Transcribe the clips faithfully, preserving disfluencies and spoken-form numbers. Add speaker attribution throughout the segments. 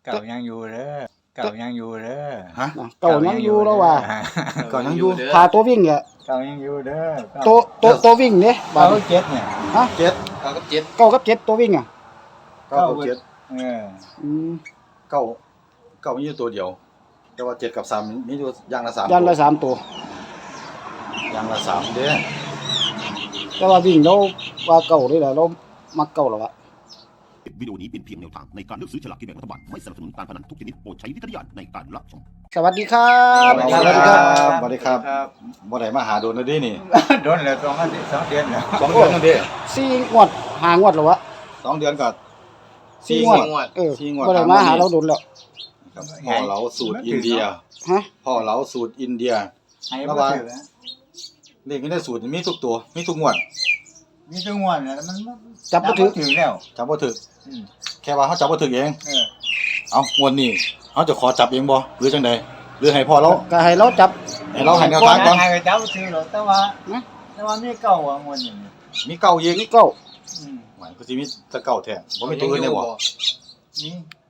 Speaker 1: เก่ายังอยู่เด้อเก่ายังอยู่เด้อ
Speaker 2: ฮะ
Speaker 3: เก่ายังอยู่แล้วว่า
Speaker 2: เก่ายังอยู่
Speaker 3: พาตัววิ่งอ่ะ
Speaker 1: เก่ายังอยู่เด้อ
Speaker 3: ตัวตัวตัววิ่งเนี่ยบา
Speaker 1: เก่า
Speaker 3: ด
Speaker 1: เจ็ดเนี่ย
Speaker 3: ฮะ
Speaker 2: เจ็ด
Speaker 4: เก้ากับเจ็ด
Speaker 3: เก้ากับเจ็ดตัววิ่งอ่ะ
Speaker 2: เก้ากับเจ็ด
Speaker 1: เออ
Speaker 3: อืม
Speaker 2: เก้าเก้ามีอยู่ตัวเดียว แต่ว่าเจ็ดกับสามมีอยู่อย่างละสาม
Speaker 3: ยันละสามตัว
Speaker 2: อย่างละสามเด้
Speaker 3: แต่ว่าวิ่งเราว่าเก่าเลยแหละเรามักเก่าแล้วอะ
Speaker 5: วิดีโอนี้เป็นเพียงแนวทางในการเลือกซื้อฉลากกินแบ่งรัฐบาลไม่สนับสนุนการพนันทุกชนิดโปรดใช้วิจารณญาณในการรับชม
Speaker 3: สวัสดีครับ
Speaker 2: สวัสดีครับสวัสดีครับบ่ได้มาหาโดนนะดินี่
Speaker 1: โดนแล้วสองอาทิตย์สองเดือนแล้ว
Speaker 2: สองเดือนนั่นเด้
Speaker 3: สี่งวดหางวดแล้ววะ
Speaker 2: สองเดือนกับ
Speaker 3: สี่
Speaker 2: สี่
Speaker 3: ง
Speaker 2: ง
Speaker 3: ว
Speaker 2: ว
Speaker 3: ด
Speaker 2: ด
Speaker 3: เออ
Speaker 2: สี่งวด
Speaker 3: บ่ได้มาหาเราโดนแล้ว
Speaker 2: ครับพ่อเราสูตรอินเดีย
Speaker 3: ฮะ
Speaker 2: พ่อเราสูตรอินเดีย
Speaker 1: ให้บ่ถือนะ
Speaker 2: เลขนี้ได้สูตรมีทุกตัวมีทุกงวด
Speaker 1: มีจังหวะเนี่ยมัน
Speaker 3: จับบ่ถือ
Speaker 1: ถึงแล้ว
Speaker 2: จับบ่ถึก
Speaker 1: อืม
Speaker 2: แค่ว่าเขาจับบ่ถึกเอง
Speaker 1: เออ
Speaker 2: เอ้างวดนี้เขาจะขอจับเองบ่หรือจังใดหรือให้พ่อเรา
Speaker 3: ก็ให้เราจับ
Speaker 2: ให้เราให้แนวทางก่อน
Speaker 1: ให้เจ้าถือหรอกแต่ว่า
Speaker 3: นะ
Speaker 1: แต่ว่ามีเก่าอ่ะงวดนี้
Speaker 2: มีเก้าอีก
Speaker 3: นี่เก้า
Speaker 1: อืม
Speaker 2: หมายก็สิมีแต่เก้าแท้บ่มีตัวอื่นได้บ่
Speaker 1: มี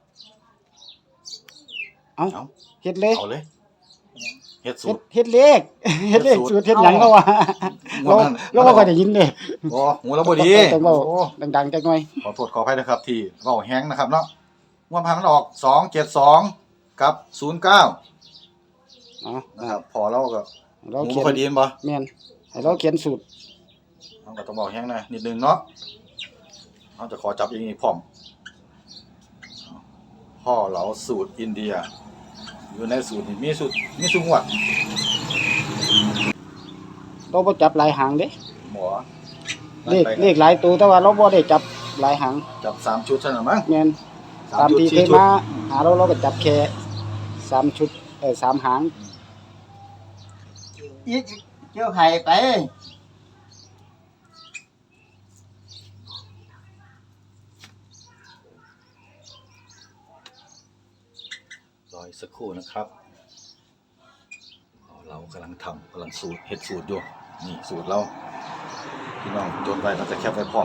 Speaker 3: เอา
Speaker 2: เอา
Speaker 3: เฮ็ดเลย
Speaker 2: เอาเลยเฮ็ดสู
Speaker 3: เฮ็ด
Speaker 2: ตร
Speaker 3: เฮ็ดเลขเฮ็ดเลข
Speaker 2: เฮ็ดสู
Speaker 3: สู
Speaker 2: ต
Speaker 3: ต
Speaker 2: ร
Speaker 3: รเฮ็ดหยังเขาว่าเราเราบ่ค่อยได้ยินเด้
Speaker 2: โอ้หูเราบ่ดี
Speaker 3: ต้องเว้า
Speaker 2: โอ้
Speaker 3: ดังๆจักหน่อย
Speaker 2: ขอโทษขออภัยนะครับที่เว้าแฮงนะครับเนาะงวดผ่านมันออกสองเจ็ดสองกับศูนย์เก้า
Speaker 3: เอ๋อ
Speaker 2: นะครับพอเราก็
Speaker 3: เรา
Speaker 2: หู
Speaker 3: เขียน
Speaker 2: บ่ค่อยดีแม่นบ่
Speaker 3: แม่นให้เราเขียนสูตร
Speaker 2: เราก็ต้องเว้าแฮงหน่อยนิดนึงเนาะเราจะขอจับเองอีกพร้อมพ่อเราสูตรอินเดีย อยู่ในสูตรนี่มีสูตรมีสูตรงวด
Speaker 3: เราบ่จับหลายหางเด้
Speaker 2: หมอ
Speaker 3: เลขเลขหลายตัวแต่ว่าเราบ่ได้จับหลายหาง
Speaker 2: จับสามชุดเท่านั้นมั้ง
Speaker 3: แม่น
Speaker 2: สา
Speaker 3: ตาม
Speaker 2: ชุด
Speaker 3: ที่เค
Speaker 2: สี่
Speaker 3: ย
Speaker 2: ชุด
Speaker 3: มาหาเราเราก็จับแค่สามชุดเออสามหาง
Speaker 1: อีกเจ้าไข่ไป
Speaker 2: รออีกสักครู่นะครับเรากำลังทำกำลังสูตรเฮ็ดสูตรอยู่นี่สูตรเราพี่น้องจดไว้เราจะแคปไว้พร้อม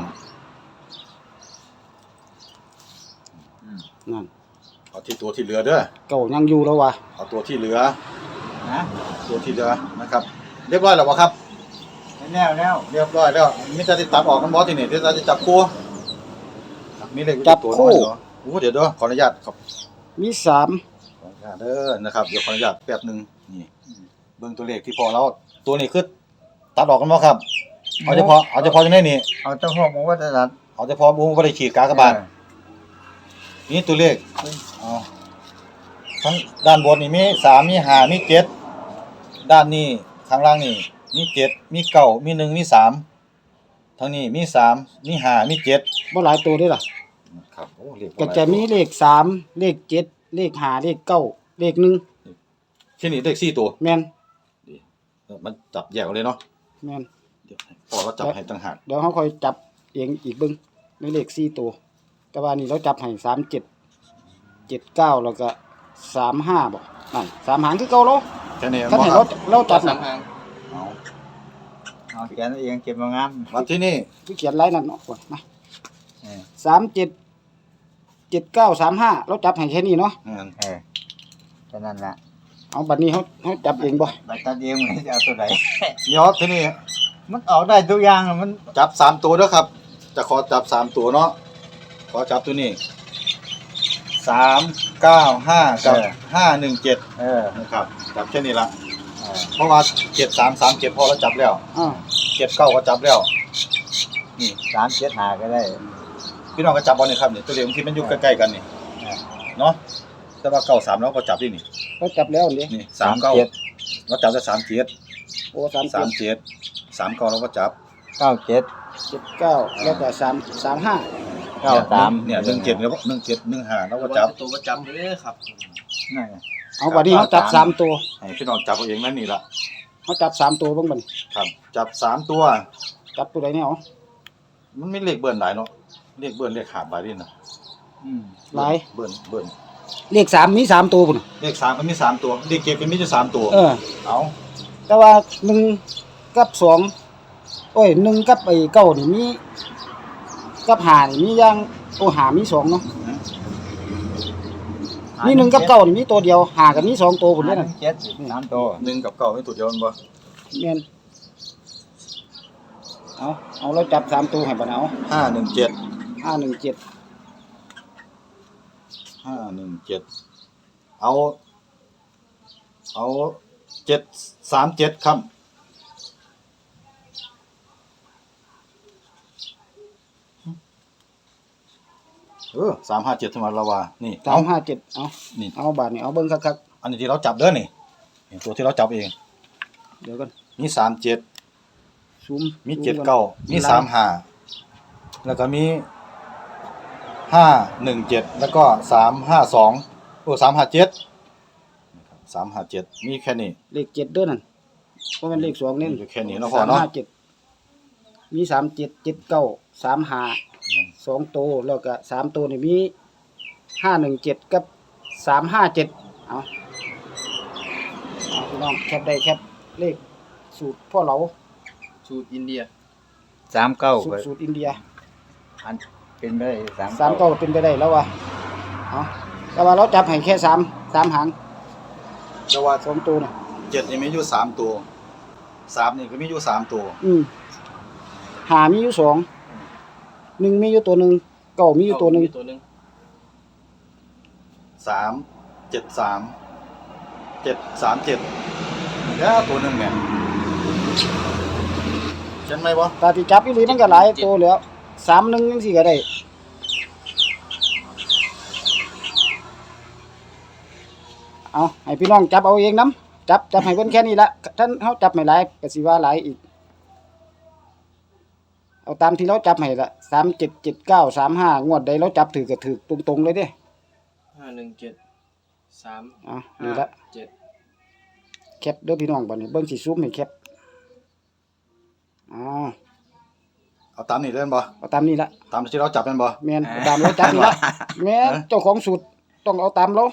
Speaker 3: นั่น
Speaker 2: เอาที่ตัวที่เหลือเด้อ
Speaker 3: เก่ายังอยู่แล้วว่ะ
Speaker 2: เอาตัวที่เหลือ
Speaker 1: นะ
Speaker 2: ตัวที่เหลือนะครับ เรียบร้อยแล้วบ่ครับ
Speaker 1: แน่วแน่ว
Speaker 2: เรียบร้อยแล้วมีแต่ที่ตัดออกกันบ่ที่นี่ที่จะจับคู่มีเลขอยู่
Speaker 3: จับ
Speaker 2: ตัว
Speaker 3: คู่
Speaker 2: น้อยเนาะโอ้เดี๋ยวเด้อขออนุญาตครับ
Speaker 3: มีสาม
Speaker 2: ขออนุญาตเด้อนะครับเดี๋ยวขออนุญาตแป๊บหนึงนี่เบิ่งตัวเลขที่พอเราตัวนี้คือตัดออกกันบ่ครับเอาเฉพาะเอาเฉพาะจังได๋นี่
Speaker 1: เอาเจ้าพ่อบอกว่าจะตัด
Speaker 2: เอาเฉพาะบ่บ่ได้ขีดกากบาทนี่ตัวเลขเอาทั้งด้านบนนี่มีสามมีห้ามีเจ็ดด้านนี้ข้างล่างนี่มีเจ็ดมีเก้ามีหนึ่งมีสามทางนี้มีสามมีห้ามีเจ็ด
Speaker 3: บ่หลายตัวเด้วยล่ะ
Speaker 2: ครับโอ้เลข
Speaker 3: ก็จะมีเลขสามเลขเจ็ดเลขห้าเลขเก้าเลขหนึ่ง
Speaker 2: ที่นี่เลขสี่ตัว
Speaker 3: แม่น
Speaker 2: มันจับแยกเอาเลยเนาะ
Speaker 3: แม่น
Speaker 2: เดี๋ยวพอเราจับให้ต่างหาก
Speaker 3: เดี๋ยวเขาค่อยจับเองอีกเบิ่งในเลขสี่ตัว แต่ว่านี่เราจับให้สามเจ็ดเจ็ดเก้าแล้วก็สามห้าบ่นั่นสามหางคือเก่าเรา
Speaker 2: แค่นี้
Speaker 3: คัน
Speaker 2: บ่
Speaker 3: ให้
Speaker 2: ค
Speaker 3: เรา
Speaker 2: รับ
Speaker 3: เราจับ
Speaker 4: สา
Speaker 3: น่ะ
Speaker 4: มหาง
Speaker 2: เอา
Speaker 1: เอาเขียนเองเก็บมางาม
Speaker 2: มาที่นี่
Speaker 3: คือเขียนไว้นั่นเนาะมา
Speaker 1: เออ
Speaker 3: สามเจ็ดเจ็ดเก้าสามห้าเราจับให้แค่นี้เนาะ
Speaker 2: อืม
Speaker 1: เออแค่นั้นแหละ
Speaker 3: เอาบัดนี้เขาเขาจับเองบ่
Speaker 1: ไปตัดเองมันจะเอาตัวไหน
Speaker 2: เดี๋ยวที่นี่
Speaker 1: มันเอาได้ทุกอย่างอะมัน
Speaker 2: จับสามตัวเด้อครับ จะขอจับสามตัวเนาะขอจับตัวนี้สามเก้าห้ากับห้าหนึ่งเจ็ด
Speaker 1: เออ
Speaker 2: นะครับจับแค่นี้ละ
Speaker 1: เออ
Speaker 2: เพราะว่าเจ็ดสามสามเจ็ดพอเราจับแล้ว
Speaker 3: อ่า
Speaker 2: เจ็ดเก้าก็จับแล้วนี่
Speaker 1: สามเจ็ดหาก็ได้
Speaker 2: พี่น้องก็จับบอลนี่ครับนี่ตัวเลขบางทีมันอยู่ใกล้ๆกันนี่
Speaker 1: เออ
Speaker 2: เนาะแต่ว่าเก้าสามเราก็จับที่นี่
Speaker 3: เราจับแล้วนี่
Speaker 2: นี่สามเก้า
Speaker 1: เจ็ด
Speaker 2: เราจับได้สามเจ็ด
Speaker 3: โอ้สาม
Speaker 2: สา
Speaker 3: เจ็
Speaker 2: ม
Speaker 3: ด
Speaker 2: เจ็ดสามเก้าเราก็จับ
Speaker 1: เก้าเจ็ด
Speaker 3: เจ็ดเก้าแล้วก็สามสามห้า
Speaker 1: เก้าสาม
Speaker 2: เนี่ยหนึ่งเจ็ดแล้วหนึ่งเจ็ดหนึ่งห้าเราก็
Speaker 4: ว่า
Speaker 2: จับ
Speaker 4: ตัวประจำเด้อครับ
Speaker 1: นั่นไง
Speaker 3: เอาบัดนี้เขาจับสามตัว
Speaker 2: ให้พี่น้องจับเอาเองนั่นนี่ละ
Speaker 3: เขาจับสามตัวเบ้างบัดนี้
Speaker 2: ครับ จับสามตัว
Speaker 3: จับตัวใดเนี่ยเอา
Speaker 2: มันไม่เลขเบิ้ลหลายเนาะเลขเบิ้ลเลขขาดหลายดินะ
Speaker 1: อืม
Speaker 3: หลาย
Speaker 2: เบิ้ลเบิ้ล
Speaker 3: เลขสามมีสามตัวพุ่น
Speaker 2: เลขสามก็มีสามตัวเลขเจ็ดก็มีอยู่สามตัว
Speaker 3: เออ
Speaker 2: เอา
Speaker 3: แต่ว่าหนึ่งกับสองโอ้ยหนึ่งกับไอ้เก้านี่มีกับหานี่มีอย่างโอ้หามีสองเนาะมีหนึ่งกับเก้านี่มีตัวเดียวหากับมีสองตัวพุ่น
Speaker 1: หา
Speaker 3: เด้
Speaker 1: ห
Speaker 3: นั่
Speaker 1: นึ่
Speaker 3: น
Speaker 1: งเจ็ดสามตัว
Speaker 2: หนึ่งกับเก้าไม่ตัวเดียวมันบ่
Speaker 3: แม่นเอาเอาเราจับสามตัวให้บ่เอา
Speaker 2: ห้าหนึ่งเจ็ด
Speaker 3: ห้าหนึ่งเจ็ด
Speaker 2: ห้าหนึ่งเจ็ดเอาเอาเจ็ดสามเจ็ดครับเออสามห้าเจ็ดธรรมดาว่านี่
Speaker 3: สามห้าเจ็ดเอา
Speaker 2: นี่
Speaker 3: เอาบาทนี่เอาเบิ่งคัก
Speaker 2: อันนี้ที่เราจับเด้อนี่นี่ตัวที่เราจับเอง
Speaker 3: ๆเดี๋ยวกัน
Speaker 2: มีสามเจ็ด
Speaker 3: ซูม
Speaker 2: มีเจ็ดเก้ามีสามห้าแล้วก็มีห้าหนึ่งเจ็ดแล้วก็สามห้าสองโอ้สามห้าเจ็ดสามห้าเจ็ดมีแค่นี้
Speaker 3: เลขเจ็ดเด้อนั่นบ่แม่นเลขสองเน้น
Speaker 2: อยู่แค่นี้เนาะพ่อเนาะ
Speaker 3: สามห้าเจ็ดมีสามเจ็ด เจ็ดเก้า สามห้าสองตัวแล้วก็สามตัวนี่มีห้าหนึ่งเจ็ดกับสามห้าเจ็ดเอาเอาพี่น้องแคปได้แคปเลขสูตรพ่อเหลา
Speaker 4: สูตรอินเดีย
Speaker 1: สามเก้า
Speaker 3: สูตรสูตรอินเดีย
Speaker 1: อันเป็นไปได้สาม
Speaker 3: สามเก้าเป็นไปได้แล้ววะเอาแต่ว่าเราจับให้แค่สามสามหาง
Speaker 2: แต่ว่า
Speaker 3: สองตัวน่ะ
Speaker 2: เจ็ดนี่มีอยู่สามตัวสามนี่ก็มีอยู่สามตัว
Speaker 3: อืมหามีอยู่สองหนึ่งมีอยู่ตัวหนึ่งเก้ามีอยู่ตัวหนึ่ง
Speaker 4: ตัวหนึ่ง
Speaker 2: สามเจ็ดสามเจ็ดสามเจ็ดแล้วตัวหนึ่งเนี่ยเช่นไหมวะ
Speaker 3: ตาที่จับอีหลีมันก็หลายตัวแล้วสามหนึ่งยังสี่ก็ได้เอาให้พี่น้องจับเอาเองน้ำจับจับให้เพิ่นแค่นี้ละท่านเขาจับไม่หลายก็สิว่าหลายอีกเอาตามที่เราจับให้ละสามเจ็ดเจ็ดเก้าสามห้างวดใดเราจับถือก็ถือตรงๆเลยเด้
Speaker 4: ห้าหนึ่งเจ็ดสาม
Speaker 3: เอ่ะนี่ละ
Speaker 4: เจ็ด
Speaker 3: แคปเด้อพี่น้องบัดนี้เบิ่งสิซูมให้แคปอ๋อ
Speaker 2: เอาตามนี่เล่นบ่
Speaker 3: เอาตามนี้ละ
Speaker 2: ตามที่เราจับเป็นบ่
Speaker 3: แม่นเอาตามเราจับนี่ละแม่นเจ้าของสูตรต้องเอาตามเรา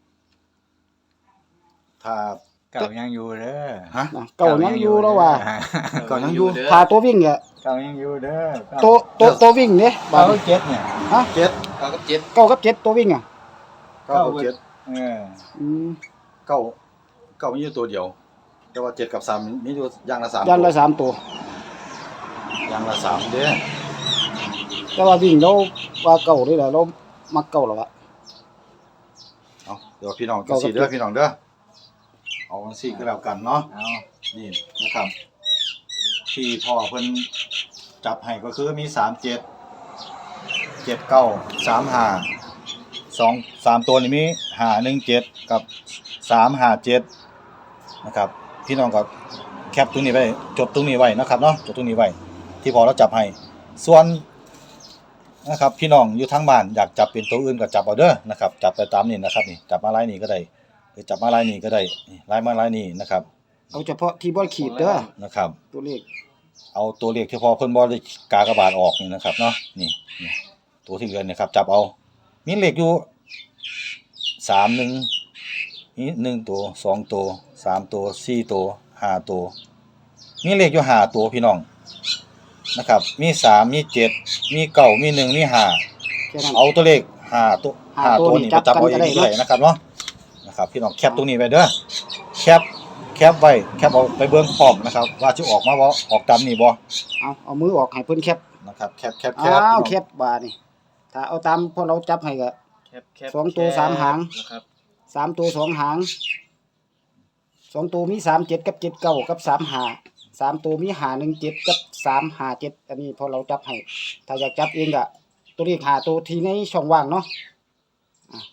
Speaker 2: ถ้า
Speaker 1: เก่ายังอยู่เด้อ
Speaker 2: ฮะ
Speaker 3: น่ะเก่ายังอยู่แล้วว่า
Speaker 2: ก่อนยังอยู่
Speaker 4: เด้
Speaker 3: พาตัววิ่งอ่ะ
Speaker 1: เก่ายังอยู่เด้อ
Speaker 3: ตัวตัวตัววิ่งเด้บา
Speaker 1: เก้า
Speaker 3: ดนี้
Speaker 1: เจ็ดเนี่ย
Speaker 3: ฮะ
Speaker 2: เจ็ด
Speaker 4: เก้ากับเจ็ด
Speaker 3: เก้ากับเจ็ดตัววิ่งอ่ะ
Speaker 2: เก้ากับเจ็ด
Speaker 1: เออ
Speaker 3: อืม
Speaker 2: เก้าเก้ามีอยู่ตัวเดียว แต่ว่าเจ็ดกับสามมีอยู่อย่างละสาม
Speaker 3: ยันละ
Speaker 2: ตัว
Speaker 3: สามตัว
Speaker 2: อย่างละสามเด้อ
Speaker 3: แต่ว่าวิ่งเราว่าเก่าเลยล่ะเรามักเก่าแล้วอะ
Speaker 2: เอาเดี๋ยวพี่น้อง
Speaker 3: เก้ากับ
Speaker 2: สี่เด้อ
Speaker 3: เจ็ด
Speaker 2: พี่น้องเด้อเอาสี่ก็แล้วกันเนาะ
Speaker 1: เอา
Speaker 2: นี่นะครับ ที่พ่อเพิ่นจับให้ก็คือมีสามเจ็ดเจ็ดเก้าสามห้าสองสามตัวนี้มีห้าหนึ่งเจ็ดกับสามห้าเจ็ดนะครับ พี่น้องก็แคปตรงนี้ไว้จดตรงนี้ไว้นะครับเนาะจดตรงนี้ไว้ที่พอเราจับให้ส่วนนะครับพี่น้องอยู่ทั้งบ้านอยากจับเป็นตัวอื่นก็จับเอาเด้อนะครับจับไปตามนี้นะครับนี่จับมาลายนี้ก็ได้หรือจับมาลายนี้ก็ได้นี่ลายมาลายนี้นะครับ
Speaker 3: เอาเฉพาะที่บ่ขีดเด้อ
Speaker 2: นะครับ
Speaker 3: ตัวเลข
Speaker 2: เอาตัวเลขที่พอเพิ่นบ่ได้กากบาทออกนี่นะครับเนาะนี่นี่ตัวที่เหลือเนี่ยครับจับเอามีเลขอยู่สามหนึ่งนี่หนึ่งตัวสองตัวสามตัวสี่ตัวห้าตัวมีเลขอยู่ห้าตัวพี่น้องนะครับมีสามมีเจ็ดมีเก้ามีหนึ่งมีห้า
Speaker 3: แค่นั้น
Speaker 2: เอาตัวเลขห้าตัว
Speaker 3: ห้า
Speaker 2: ห้า
Speaker 3: ตั
Speaker 2: ตัว ว
Speaker 3: นี่
Speaker 2: นี่
Speaker 3: จั
Speaker 2: ไป
Speaker 3: บ
Speaker 2: จับเอา
Speaker 3: กัน
Speaker 2: เอ
Speaker 3: ก็
Speaker 2: ง
Speaker 3: ได้
Speaker 2: ได้นะครับเนาะนะครับพี่น้องแคปตรงนี้ไว้เด้อแคปแคปไว้แคปเอาไปเบิ่งพร้อมนะครับว่าสิออกมาบ่ออกตามนี้บ่
Speaker 3: เอาเอามือออกให้เพิ่นแคป
Speaker 2: นะครับแคปแคปแค
Speaker 3: อ้า
Speaker 2: ป
Speaker 3: ว
Speaker 2: พี่น้อง
Speaker 3: แคปบาดนี่ถ้าเอาตามพอเราจับให้ก็
Speaker 4: แคปแคป
Speaker 3: สองตัว
Speaker 4: แคป
Speaker 3: สามหาง
Speaker 4: นะครับ
Speaker 3: สามตัวสองหางสองตัวมีสามเจ็ดกับเจ็ดเก้ากับสามห้าสามตัวมีห้าหนึ่งเจ็ดกับสามห้าเจ็ดอันนี้พอเราจับให้ถ้าอยากจับเองก็ตัวเลขหาตัวที่ในช่องว่างเนาะอ่ะ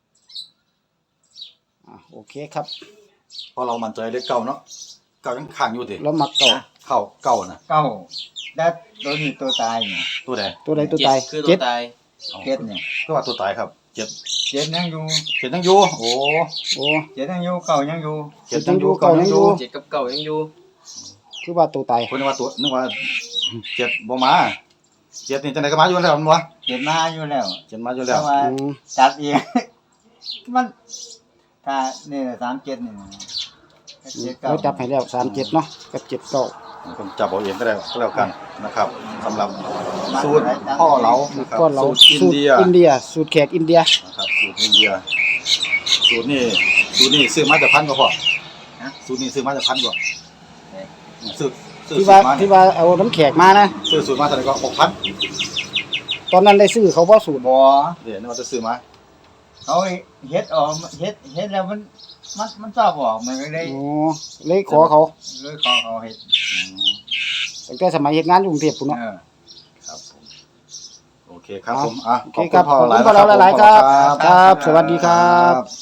Speaker 3: อ่ะโอเคครับ
Speaker 2: เพราะเรามั่นใจเลขเก้าเนาะเก้ายังข้างอยู่ติ
Speaker 3: แล้วมักเก่า
Speaker 2: เข้าเก้านะ
Speaker 1: เก้าได้ตัวนี้ตัวตายเนี่ย
Speaker 2: ตัวใด
Speaker 3: ตัวใดตัวตาย
Speaker 4: เจ็ดคือตั
Speaker 3: เจ็
Speaker 4: ว
Speaker 3: ด
Speaker 4: ตาย
Speaker 1: เจ็ดเนี่ย
Speaker 2: ก็ว่าตัวตายครับเจ็ด
Speaker 1: เจ็ดยังอยู่
Speaker 2: เจ็ดยังอยู่โอ้
Speaker 3: โอ้
Speaker 1: เจ็ดยังอยู่เก่ายังอยู่
Speaker 2: เจ็ดยังอยู่
Speaker 3: เก้า
Speaker 2: เก้า
Speaker 3: ยั
Speaker 2: ยัง ง
Speaker 3: อ
Speaker 2: อยู่ ยู่
Speaker 4: เจ็ดกับเก้ายังอยู่
Speaker 3: คือว่าตัวตาย
Speaker 2: เพิ่นนึกว่าตัวนึกว่าเจ็ดบ่มาเจ็ดนี่จังไดก็มาอยู่แล้วมันบ่
Speaker 1: เจ็ดมาอยู่แล้ว
Speaker 2: เจ็ดมาอยู่แล้
Speaker 1: แต่
Speaker 2: ว
Speaker 1: ว่า
Speaker 3: อืม
Speaker 1: จัดเอง มันถ้านี่สามเจ็ดนี่เจ็ดเก้า
Speaker 3: เราจับให้แล้วสามเจ็ดเนาะกับเจ็ดเก้า
Speaker 2: ผมจับเอาเองก็ได้ก็แล้วกันนะครับสำหรับสูตรพ่อเรานะครับ
Speaker 3: ก็เรา
Speaker 2: สูตรอิน
Speaker 3: สูตร
Speaker 2: เดีย
Speaker 3: อินเดีย สูตรแขกอินเดีย
Speaker 2: นะครับสูตรอินเดียสูตรนี่สูตรนี่ซื้อมาจากพันก็พอสูตรนี่ซื้อมาจากพันก็ซื้อซื้อ
Speaker 3: ที่
Speaker 2: สู
Speaker 3: ว่า
Speaker 2: ตรมา
Speaker 3: ที่ว่าเอาน้ำแขกมานะ
Speaker 2: ซื้อสูตรมาเท่าไหร่ก็หกพัน
Speaker 3: ตอนนั้นได้ซื้อเขาบ่สูตร
Speaker 1: บ่
Speaker 2: เดี๋ยวนี่ว่าจะซื้อมา
Speaker 1: เขาเฮ็ดออกเฮ็ดเฮ็ดแล้วมันมันมันชอบออกมันก็เลย
Speaker 3: อ๋อเลยขอเขา
Speaker 1: เลยขอเขาเฮ็ด
Speaker 3: ตั้งแต่สมัยเฮ็ดงานอยู่กรุงเทพพุ่นเนาะ
Speaker 1: เออ
Speaker 2: ครับผมโอเคครับผมอ่ะ
Speaker 3: โอเคครับ
Speaker 2: ขอบ
Speaker 3: ขอบ
Speaker 2: คุณ
Speaker 3: คุณ
Speaker 2: พ่
Speaker 3: พ่
Speaker 2: อ
Speaker 3: อ
Speaker 2: หลาย
Speaker 3: เราหลายๆครับ
Speaker 2: ขอบคุณ
Speaker 3: ครับ สวัสดีครับ